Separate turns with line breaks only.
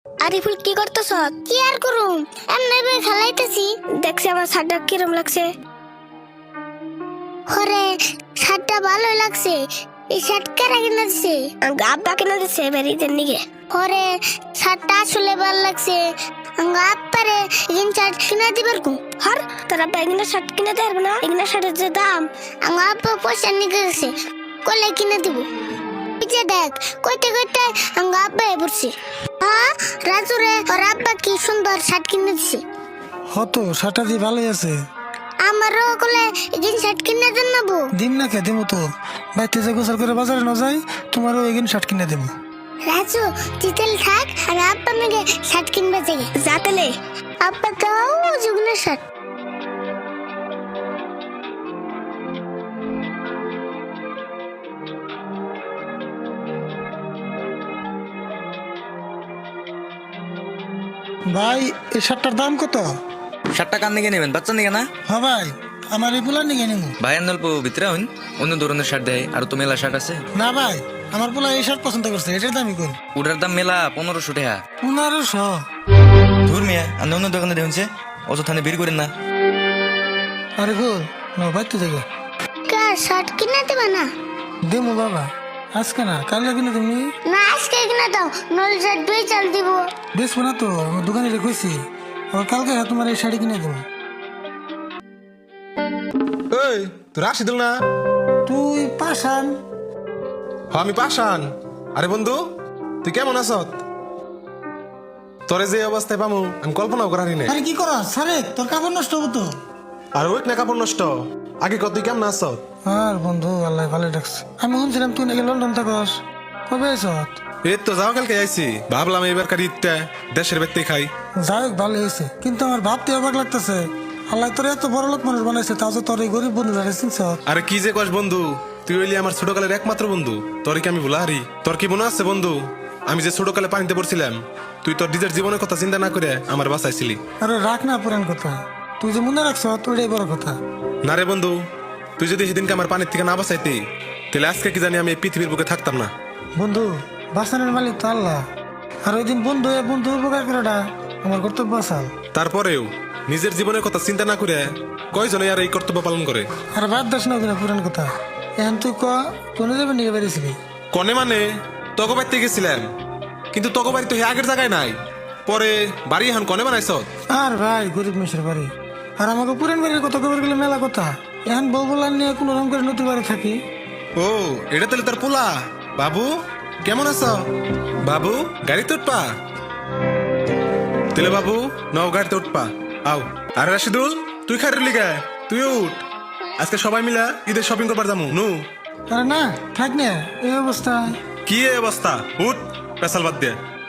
আরিফুল কি করতেছ?
কি আর করুম, এমনি বই খেলাইতেছি।
দেখছি আমার শার্টটা কিরম লাগছে।
হরে, শার্টটা ভালোই লাগছে। এই শার্ট কারা কিনে দিছে?
আব্বা কিনে দিচ্ছে বেরিয়ে নিগে।
হরে, শার্টটা আসলে ভালো লাগছে। আপ্পারে এগিন শার্ট কিনে দিবার কু।
হর তোর আব্বা এগুলো শার্ট কিনে দেবে না? এগুলো শার্টের যে দাম।
আপ্পা পয়সা নিয়ে গেছে, কলে কিনে দিব। পিছে দেখ, কইতে কইতে আব্বা পড়ছে। হ্যাঁ রাজু রে, ওর আব্বা কি সুন্দর শার্ট কিনে দিছে।
হতো শার্টটা দিয়ে ভালোই আছে।
আমারও কলে এগিন শার্ট কিনে দেন নেবো।
দিন না কে দেবো তো, বাইতে যে গোসল করে বাজারে না যাই, তোমারও এগিন শার্ট কিনে দেবো।
রাজু তিতেল থাক, আর আব্বা মেগে শার্ট কিনবে জেগে
যাতেলে
আব্বা দাও যুগনের শার্ট।
ভাই এই শার্টটার দাম কত?
শার্টটা কান দিকে নেবেন, বাচ্চা নিকে না?
হ্যাঁ ভাই, আমার এই পোলা নিয়ে নেবো।
ভাই অল্প ভিতরে হইন, অন্য ধরনের শার্ট দেয়, আর তো মেলা শার্ট আছে।
না ভাই, আমার পোলা এই শার্ট পছন্দ করছে, এটার দামই কর।
ওটার দাম মেলা 1500 টাকা।
1500?
ধুর মিয়া, আর অন্য দোকানে দেখুনছে, অযথানে বের করেন না।
আরে ভুল না, বাইতে যাবে।
কা শার্ট কিনে দেবে না?
দেবো বাবা, আজকে না কাল কিনে তুমি।
না আজকে কিনে দাও, নল শার্ট দুই চাল দিব।
বেশবো না তো, আমার দোকানে রেখেছি। আবার কালকে তোমার এই শাড়ি কিনে দেবো।
ওই তুই রাশিদুল না?
তুই পাশান?
আমি পাশান। আরে বন্ধু, তুই কেমন আছ? তোরে যে অবস্থায় পামু আমি কল্পনাও করারি নাই।
আরে কি কর সারে, তোর কাপড় নষ্ট হবো তো।
আর ওই না কাপড় নষ্ট, আগে কত তুই কেমন আছ?
আর বন্ধু আল্লাহ ভালো ডাকছে। আমি শুনছিলাম তুই নাকি লন্ডন থাকস, কবে আইস?
এই তো যাও কালকে আইছি, ভাবলাম এবার কার ঈদটা দেশের বাড়িতে খাই।
যাই হোক ভালো হয়েছে, কিন্তু আমার ভাবতে অবাক লাগতেছে, আল্লাহ তোর এত বড় লোক মানুষ বানাইছে, তাও যে তোর এই গরিব বন্ধু চিনছ।
আরে কি যে কস বন্ধু, তুই হইলি আমার ছোটকালের একমাত্র বন্ধু, তোর কি আমি ভুলা হারি? তোর কি মনে আছে বন্ধু, আমি যে ছোটকালে পানিতে পড়ছিলাম, তুই তোর নিজের জীবনের কথা চিন্তা না করে আমার বাঁচাইছিলি।
আরে রাখ না পুরান কথা, তুই যে মনে রাখছ ওইটাই বড় কথা।
না রে বন্ধু, তুই যদি সেদিনকে আমার পানির থেকে না বাঁচাইতি, তাহলে আজকে কি জানি আমি এই পৃথিবীর বুকে থাকতাম না।
বন্ধু বাঁচানোর মালিক তো আল্লাহ, আর ওই দিন বন্ধু বন্ধু উপকার করাটা আমার কর্তব্য আসাল।
তারপরেও নিজের জীবনের কথা চিন্তা না করে কয়জনে আর এই কর্তব্য পালন করে?
আর বাদ দাস না ওগুলো পুরান কথা, এখন তুই কোনে যাবে নিয়ে বেরিয়েছিলি?
কনে মানে তগো বাড়িতে গেছিলাম, কিন্তু তগো বাড়ি তো হে আগের জায়গায় নাই, পরে বাড়ি এখন কনে বানাইছ?
আর ভাই গরিব মেশের বাড়ি, আর আমাকে পুরান বাড়ির কথা খবর গেলে মেলা কথা, এখন বউ বলার নিয়ে কোনো রকম করে নতুন বাড়ি থাকি।
ও এটা তাহলে তোর পোলা? বাবু কেমন আছ? বাবু গাড়িতে উঠপা? তেলে বাবু নাও গাড়িতে উঠপা, আও। আরে রাশিদুল, তুই খাই রইলি গে? তুই উঠ, আজকে সবাই মিলা ঈদের শপিং করবার যাবো নু।
আরে না থাক না এই অবস্থায়।
কি এই অবস্থা, উঠ পেশাল বাদ দিয়ে।